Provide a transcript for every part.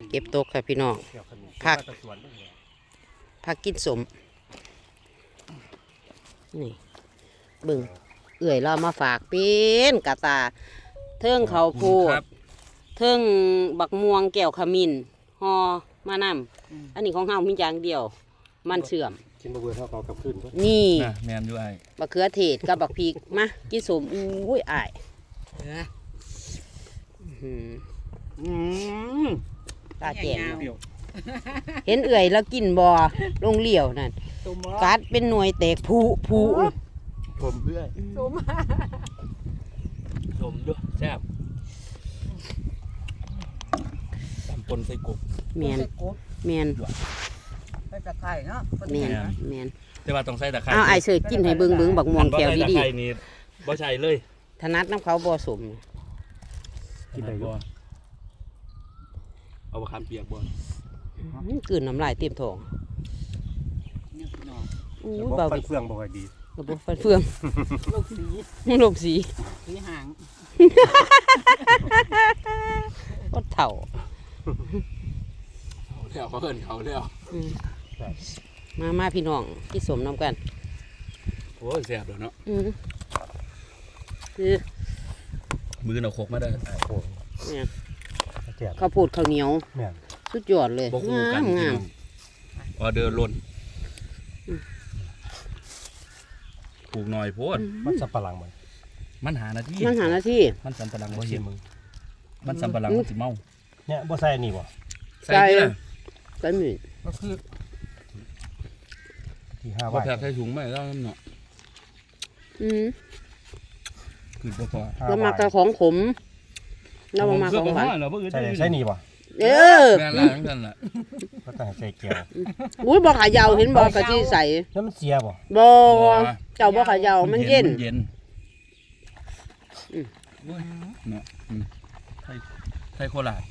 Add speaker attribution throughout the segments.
Speaker 1: เก็บตกค่ะพี่น้องผักกินสมนี่บึงเอื่อยเรามาฝากเป็นกะตาเทิงเขาโพดเทิงบักม่วงแก้วขมิ้นฮอมานำอันนี้ของเฮามีอย่างเดียวมันเสื่อม
Speaker 2: กินบะเบือเท่าเก่ากับขึ้น
Speaker 1: นี่
Speaker 3: แมนอยู่ไอ้
Speaker 1: บักเขือเทศกับบักพริกมากินสมอุ้ยอ้ายตาแจ่มเห็นเอื่อยแล้วกินบ่ลงเหลี่ยวนั่นกัดเป็นหน่วยแตกผู้
Speaker 3: ชมเพื่อนชมด้วยแซ่บตำปนใส่กบ
Speaker 1: เมียน
Speaker 4: ใส่ตะไคร้เนาะ
Speaker 1: เมียน
Speaker 3: แต่ว่าต้องใส่ตะไคร้
Speaker 1: เอาไอเสยกินให้เบิ่งบักม่วงแถวดี
Speaker 3: ๆนี่บ่ใช่เลย
Speaker 1: ถนัดน้ำเขาบ่สม
Speaker 3: กินได้บ่เอาบะขามเปียกบ่
Speaker 1: กลืนน้ำลายเต็มท้อง
Speaker 2: อู้เบาเฟืองบ่ค่อยดี
Speaker 1: ระบบฟันเฟือง
Speaker 4: โลกสีหาง
Speaker 1: ก็เถ่า
Speaker 3: แล้วเขาเอิ้นเขาแล้ว
Speaker 1: มาพี่น้องที่สมน้ำกัน
Speaker 3: โอ้ยแซ่บแล้วเนาะ
Speaker 1: คือ
Speaker 3: มือเอาโคกมาได้
Speaker 1: เนี่ยข้าวโพดข้าวเหนียวสุดยอดเลยงาม
Speaker 3: ออเดอร์ล้นปลูกหน่อยโพด
Speaker 2: มันสับปะหลัง
Speaker 3: มันหาหน้าที่มันสับปะหลังบ่เห็นมึงมันสับปะหลังมันสิเมา
Speaker 2: เนี่ยบ่ใส่นี่บ่
Speaker 1: ใส่หมี่
Speaker 4: ก็คือ
Speaker 2: ที่5
Speaker 3: บาทใส่ถุงไม่แล้วเนาะคือบ่พอ
Speaker 1: แล้วมากระของขมแล้วมาของหวาน
Speaker 2: ใส่นี่บ่
Speaker 3: แม่นล่ะทั้งนั้นล่ะ
Speaker 2: ก็ต้องใส่แก้ว
Speaker 1: อุ้ยบ่ขายาวเห็นบ่กะที่ใส่
Speaker 2: แล้วมันเสียบ่
Speaker 1: เจ้าบ่ขายาวมันเย็น
Speaker 3: เนาะไทยโคราช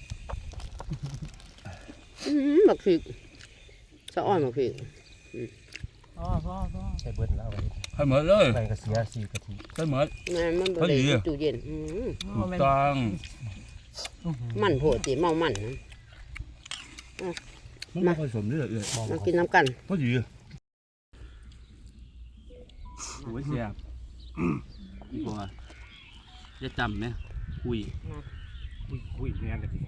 Speaker 1: บักพริกสะอ้อนบักพริก
Speaker 4: พ่อ
Speaker 2: ใส่เบิดแล้ว
Speaker 3: ให้หมดเลย
Speaker 2: ใส่กระเสีย4 กะทิ
Speaker 3: ใส่หมด
Speaker 1: มันบ่ได้ตู้เย็น
Speaker 3: ถูกต้อง
Speaker 1: มันโหดสิเมามัน
Speaker 3: มาผสมด้วย
Speaker 1: มากินน้ำกัน
Speaker 3: พอดีโอ้ยแซ่บอีกว่าจะจำไหมคุย
Speaker 2: แม่นกะทิ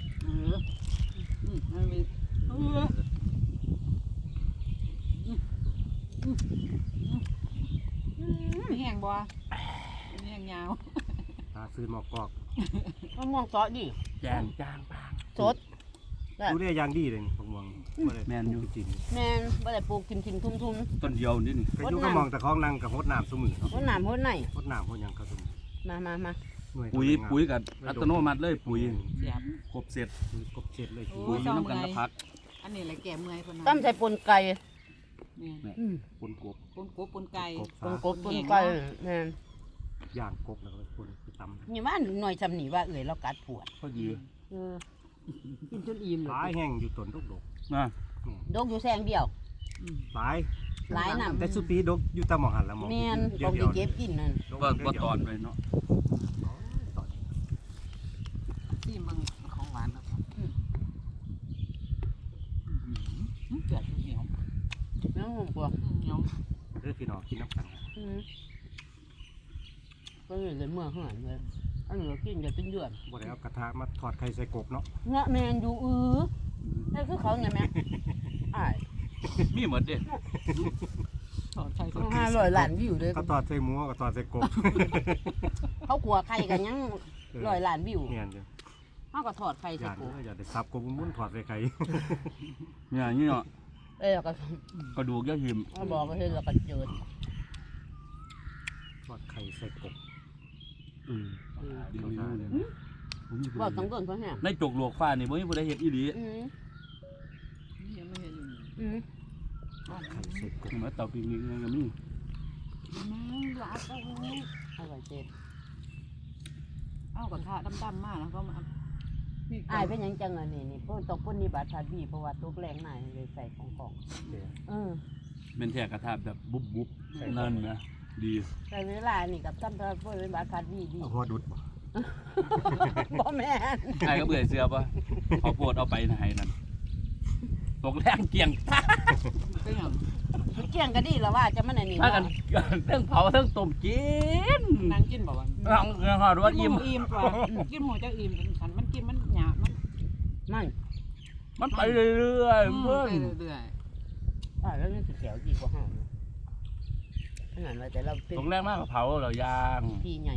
Speaker 4: แห้งบ่แห้งยาว
Speaker 2: ซื้อหมอกกอก
Speaker 1: มะม่วงซอสดิ
Speaker 3: จางบาง
Speaker 1: สด
Speaker 2: ดูได้อย่างดีเลยมะม่วง
Speaker 3: แม่นอยู่
Speaker 1: จริงแม่นบ่ได้ปลูกกินทุ่ม
Speaker 3: ต้นเดียวนี่
Speaker 2: ก็อยู่ก็มองแต่ของนั่งกับโหดน้ำซุมื้อเนาะ
Speaker 1: โหดน้ำโหดไหน
Speaker 2: โหดน้ำโหดหยังก็ซุมื้อ
Speaker 1: มา
Speaker 3: ปุ๋ยกับอัตโนมัติเลยปุ๋ยครบเสร็จ
Speaker 2: เลย
Speaker 3: ปุ๋ยน้ำกันละพัก
Speaker 4: อันนี้แหละแก่เมื่อยคนนั้น
Speaker 1: ตั้มใส่ปนไก่
Speaker 3: ปนกบ
Speaker 4: ปนไก่
Speaker 1: ปนไก่แม่น
Speaker 2: ย่างกบแล้วก็ปนไปตำ
Speaker 1: นี่ว่าหน่อยจำหนีว่าเรากัดปวด
Speaker 3: พอดี
Speaker 1: กินจนอิ่มเลย
Speaker 2: หลายแห้งอยู่ต้นดก
Speaker 3: นะ
Speaker 1: ดกอยู่แซงเดียว
Speaker 2: หลาย
Speaker 1: น้ำ
Speaker 2: แต่สุปีดกอยู่ตามหมองหันแล้วมอง
Speaker 1: แม่นดกเก็บกินนั่น
Speaker 3: ว่าตอนไปเนาะ
Speaker 4: ที่มันของหวานครับเกิดเหนียว
Speaker 1: น้ำมันกว่า
Speaker 4: เหนียว
Speaker 2: พี่น้องกินน้ำกัน
Speaker 1: ก็เลยเมื่อเหือนเลยอันนี้กินจะเป็นเดือน
Speaker 2: บ่ได้เอากระทะมาทอดไข่ใส่กบเนาะ
Speaker 1: เงาะแมนอยู่นั่นคือเขาไงแม่
Speaker 3: มีหมดเด็ด
Speaker 4: ทอดไข่
Speaker 1: 500 ล้านวิวเลย
Speaker 2: เขาทอดใส่หมูกับทอดใส่กบ
Speaker 1: เขาขัวไข่กันยัง100 ล้านวิว
Speaker 2: เนี่ยเดียว
Speaker 1: เขาก็ทอดไข่ใส่กบ
Speaker 2: อย่าได้ซับกบมุ้นทอดใส่ไข่
Speaker 3: เนี่ยนี่เนาะกระดูกย่าหิม
Speaker 1: บอกก็เห็นแล้วก็เจิด
Speaker 2: ทอดไข่ใส่กบ
Speaker 1: บอกต้องต้นเพราะเนี่ย
Speaker 3: ในจกหลวกฟ้านี่บ่มีผู้ใดเห็นอีหลี
Speaker 4: ยังไม่เห็น
Speaker 2: ทอดไข่ใส่กบ
Speaker 3: มาเตาปิ้งนี่ก็มี
Speaker 4: หลาเอา
Speaker 1: อร่อยเจ็ด
Speaker 4: เอากระทะดำๆมากแล้วก็มา
Speaker 1: เป็นยังจังอ่ะนี่พวกตกพ่นนี่บาดพาดีเพราะว่าตกแรงหน่อยเลยใส่ของ
Speaker 3: เป็นแทกกระทะแบบบุบนั่นนะดี
Speaker 1: แต่เวลานี่กับตั้มพวกเป็นบาดพาดี
Speaker 2: หัวดุด
Speaker 1: บ่แม่น
Speaker 3: ไอ้ก็เบื่อเสือป่ะเขาโปวดเอาไปไหนนั่นตกแรงเกี่ยงตา
Speaker 4: ก็อย่าง
Speaker 1: มันเกี่ยงก็ดีแล้วว่าจะมันอันนี้
Speaker 3: ถ้ากันเรื่องเผาเรื่องต้มกิน
Speaker 4: นางกินบอกว่า
Speaker 3: ลองเรื่องหอดว่าอิ่ม
Speaker 4: อิ่มกว่ากินหมูจะอิ่มฉันมันกินมันหยาบมัน
Speaker 1: มัน
Speaker 3: มันไปเรื่อยๆเพื่อน
Speaker 4: ไปเรื่อย
Speaker 1: แล้วนี่สิแถวดีกว่าห้าขนาดว่าแต่เราเป็น
Speaker 3: ตกแรงมากกับเผาเราย่าง
Speaker 1: พี่ใหญ่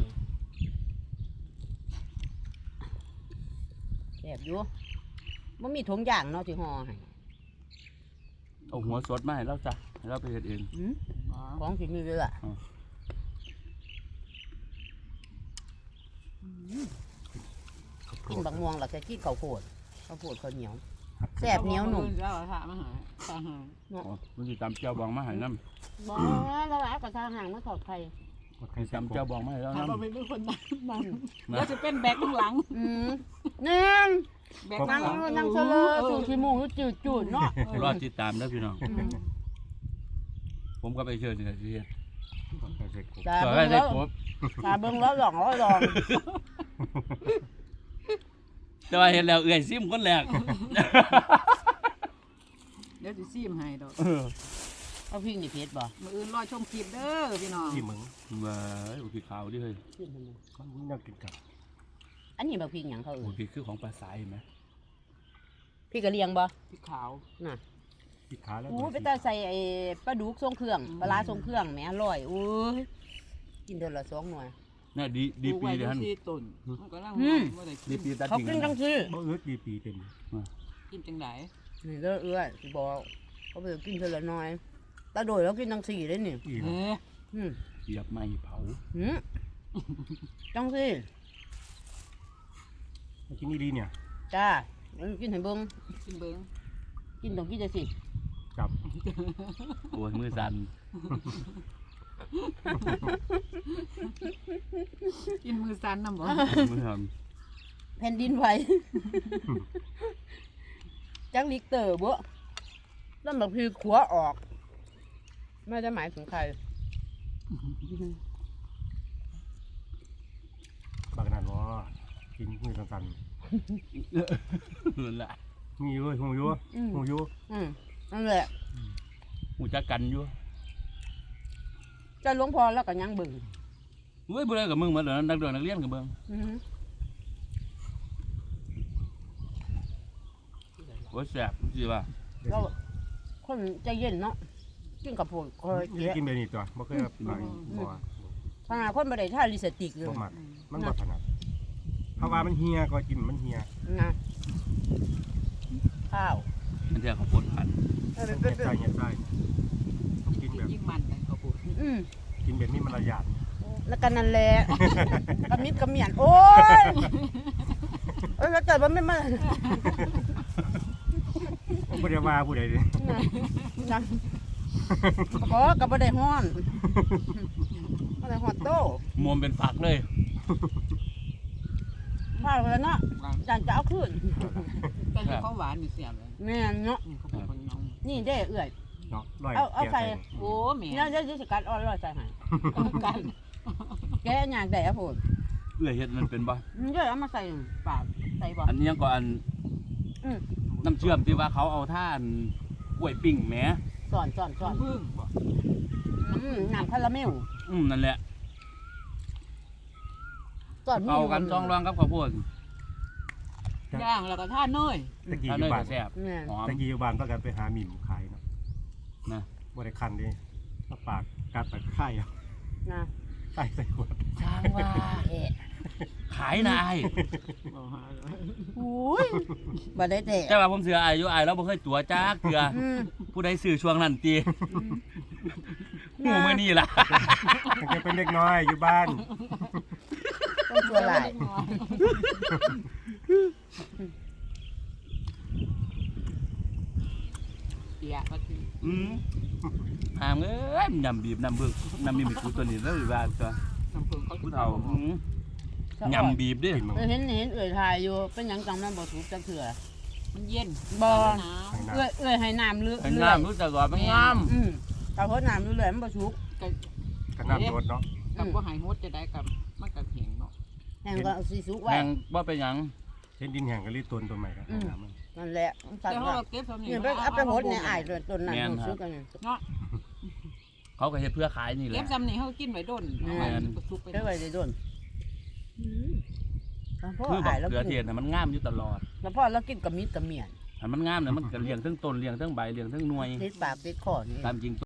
Speaker 1: แบบอยู่มันมีถุงย่างเนาะที่ห่อให้
Speaker 3: เอาหัวสดมาให้เราจ้ะให้เราไปเฮ็ดเอง
Speaker 4: ๆ
Speaker 1: ของที่มีเรือกินบักม่วงแล้วก็กินข้าวโพดข้าวเหนียวแซ่บเหนียวหนุ่ม
Speaker 4: แล้วถามมาหาตาหา
Speaker 3: มันสิตำเจ้าบองมาให้น้
Speaker 1: บ่แล้วหลายกว่าทางห่างมาขอดไข่
Speaker 3: ำตำเจ้าบองมาให้เรา
Speaker 4: ถาม
Speaker 3: น้ำ
Speaker 4: ว่าเป็นคนนั่งแล้วจะเป็นแบกข้างหลัง
Speaker 1: นี่น
Speaker 4: แบกข้างหลัง
Speaker 1: นั่งเฉลยสูขี้มูกจืดๆเนาะ
Speaker 3: รอติดตามนะพี่น้อง ผมก็ไปเชิญนี่แหละสิเฮ็ด
Speaker 2: ไข่ใส่กบ
Speaker 1: ตา
Speaker 3: ต่อ
Speaker 1: เบิ่
Speaker 3: ให้
Speaker 1: ง
Speaker 3: ได้
Speaker 1: แล้ว
Speaker 3: ครบ
Speaker 1: ตาเบิ่งแล้วลอง
Speaker 3: แต่ว่าเห็นแล้วเอื่อยซิมคนแรก
Speaker 4: เดี๋ยวจะซีมให้ดอก
Speaker 1: เอาพริกนี่เผ็ดบ่
Speaker 4: มืออื่นรอชมคลิปเด้อพี่น้อง
Speaker 2: ที่มึง
Speaker 3: ว้ายโอ้พี่ขาวดิเฮ้ย
Speaker 2: มันน่ากินกับ
Speaker 1: อันนี้บักพริกหยังเขา
Speaker 3: โอ้
Speaker 1: เอ่ย
Speaker 3: พี่คือของปลาสายเห็นไหม
Speaker 1: พริกกะเหรี่ยงบ่
Speaker 4: พี่ขาว
Speaker 1: น่ะ
Speaker 2: ที่ขาแล้ว
Speaker 1: ไปตาใส่ไอ้ปลาดุกทรงเครื่องปลาร้าทรงเครื่องแหมอร่อยกินเดือนละ2หน่วย
Speaker 3: น่าดีปีเดียวหั่น
Speaker 4: ที่ต้นมันก็ร่างว่าได้
Speaker 3: ดีปีตัด
Speaker 1: เขา
Speaker 3: ทิ้ง
Speaker 1: กินจังซี่
Speaker 2: บ่เอื้อดีปีเต็ม
Speaker 4: กินจังได
Speaker 1: นี่เด้อเอื้อยสิบอกเขาไปกินเดือนละน้อยตาโดยแล้วกินจังซี่ได้นี่
Speaker 2: อีก
Speaker 4: เฮ้
Speaker 3: เหยียบไม้เผา
Speaker 1: จังซี่
Speaker 2: กินนี่ดีเนี่ย
Speaker 1: จ้ากินให้เบิ่ง
Speaker 4: กินเบิ้ง
Speaker 1: กินต้องกินจังซี่
Speaker 2: จับ
Speaker 3: โอ้ยมือสั่น
Speaker 4: กินมือสั่นนำบ่
Speaker 3: มือสั่น
Speaker 1: แผ่นดินไหวจังลิกเตอร์บ่แล้วบักพริกขัวออกไม่ได้หมายถึงใคร
Speaker 2: บางนั้นว่ากินมือสั่น
Speaker 3: นั่นแหละ
Speaker 2: ๆมีอยู่หูอยู่หูอยู่
Speaker 1: นั่นแหละ
Speaker 3: หูจักกันอยู่
Speaker 1: จะหลวงพ่อแล้วก็ยังเบิ่ง
Speaker 3: เว้ยบ่ได้กับมึงเหมือนเดิมนักเรียนนักเรียนกับเบิ่งโอ้ยแซ่บสิว่า
Speaker 1: เราคนใจเย็นเนาะกินกับผู้คอย
Speaker 2: นี่กินแบบนี้ตัวบ่เคยไปบ่
Speaker 1: ขนาดคนบ่ได้ท่าลิสติกเลย
Speaker 2: บ่มักมันบ่ถนัดเพราะว่ามันเฮียก็กินมันเฮีย
Speaker 1: นะข้าว
Speaker 3: มันจะเขาวโพ่นพัน
Speaker 1: เออ
Speaker 2: เฮ็
Speaker 1: เป็น
Speaker 2: ดใจเฮ็ดใจต้องกินแบบ
Speaker 4: ยิ่งมันเลยเขาพูด
Speaker 2: กินแบบนี้มันระยะ
Speaker 1: แล้วกันนั่นแหละกระมิดกระเมียนโอ้ยแล้วเกิดว่าไม่มา
Speaker 2: บ่ได้ว่าผู้ใดเด้
Speaker 1: นะก็กับบ่ได้ฮ้อนบ่ได้ฮอดโต
Speaker 3: มวมเป็นฝักเลย
Speaker 1: ข้าวแล้วเนาะจานจะเอาคืน
Speaker 4: แต่ที่เขาหวานนี่เสียบเลย
Speaker 1: แม่นเนาะ
Speaker 4: เขาเป็นคนน้อง
Speaker 1: นี่เด้เอื้อย
Speaker 2: เนาะร้อย
Speaker 1: เอาใส่
Speaker 4: โอ้แม่
Speaker 1: เนี่ยจะสกัดอ่อนร้อยใส่ให้กันแกอยากได้อะพูด
Speaker 3: เอื้อยเฮ็ดมันเป็นบ่
Speaker 1: เดี๋ยวเอามาใส่ปากใส่บ่
Speaker 3: อันนี้ยังก็อัน
Speaker 1: อืม
Speaker 3: น้ำเชื่อมที่ว่าเขาเอาท่านกล้วยปิ้งแหม
Speaker 1: สอน
Speaker 4: พึ่งบ่
Speaker 1: น้ำคาราเมล
Speaker 3: นั่นแหละ
Speaker 1: สอน
Speaker 3: เอากันช่องรองกับข้าวโพด
Speaker 4: ย่างแล้วก็ท่าเนย
Speaker 2: ตะกี้
Speaker 3: ถ้า
Speaker 2: อ
Speaker 3: เน
Speaker 2: ยู่
Speaker 3: ย
Speaker 2: บ้า
Speaker 3: ก็
Speaker 2: น
Speaker 3: แซ่บ
Speaker 1: แม่น
Speaker 3: หอม
Speaker 2: ตะกี้อยู่บ้านประกันไปหาหมิ่มขายเนาะ
Speaker 3: นะ
Speaker 2: บ่ได้คันดิเอาปากกัดตะไคร้เอา
Speaker 1: นะ
Speaker 2: ใส่ใส่ขวด
Speaker 3: ช่างว่าขายนาย
Speaker 1: อุ้ยบ่ได้แต่
Speaker 3: แต่ว่าผมเสืออายุอายแล้วบ่เคยตัวจักเถื่อผู้ใดซื้อช่วงนั้นตีหูมื้อนี้ล่ะ
Speaker 2: ตั้งแต่เป็นเด็กน้อยอยู่บ้าน
Speaker 1: ต้องตัวหลาย
Speaker 4: เปียก็คือ
Speaker 3: หามเอ้ยยำบีบน้ำบึกน้ำมีกูตัวนี้แล้วอยู่บ้านตัว
Speaker 4: น้ำผึ้งเขา
Speaker 3: ผู้เฒ่ายำบีบดิ
Speaker 2: กินมัง
Speaker 1: เห็นเอื่อยทายอยู่เป็นหยังจังมันบ่ถูกจักเถื่อ
Speaker 4: มันเย็น
Speaker 2: ทางน้
Speaker 1: เอื่อยให้น้ำเรื่อย
Speaker 3: เป็นน้ำรู้จักว่ามันงาม
Speaker 1: ถ้าเพราะน้ำเรื่อยมันบ่ถูก
Speaker 4: กับ
Speaker 2: ำกันน้ำโดดเนาะ
Speaker 4: กับว่าหายมดจะได้กับมันกับเหียงเนาะ
Speaker 1: แห้งก็เอาสีสุกไว้
Speaker 3: แห้งบ่เป็นหยัง
Speaker 2: เห็นดินแห้งก็รีบต้นตัวใหม่ครับน้ำมัน
Speaker 1: นั่นแหละสั่น
Speaker 4: แต่
Speaker 1: ว่า
Speaker 4: เราเก็บสำนี
Speaker 1: นี่ไปเอาไปโหดในอ้ายต้นนั้นหูสุกกันนี่
Speaker 4: เนาะ
Speaker 3: เขาก็เฮ็ดเพื่อขายนี่แห
Speaker 4: เก็
Speaker 3: ละ
Speaker 4: บสำนีเขากินไว้ด้นเอาไว้สุกไป
Speaker 1: เก็บไว้ได้โดนพ่อ
Speaker 3: คือบั
Speaker 1: อ้าก ยแล้ว
Speaker 3: เกลือเท
Speaker 1: กิ
Speaker 3: ศ
Speaker 1: น
Speaker 3: น่ะมันงามอยู่ตลอด
Speaker 1: แล้วพ่อแล้วกินกับมิตรกับเมียน
Speaker 3: ถ้ามันงามน่ะมันก็เลี้ยงทั้งต้นเลี้ยงทั้งใบเลี้ยงทั้งหน่วย
Speaker 1: ติดปากติดคอนี่
Speaker 3: ตามจริง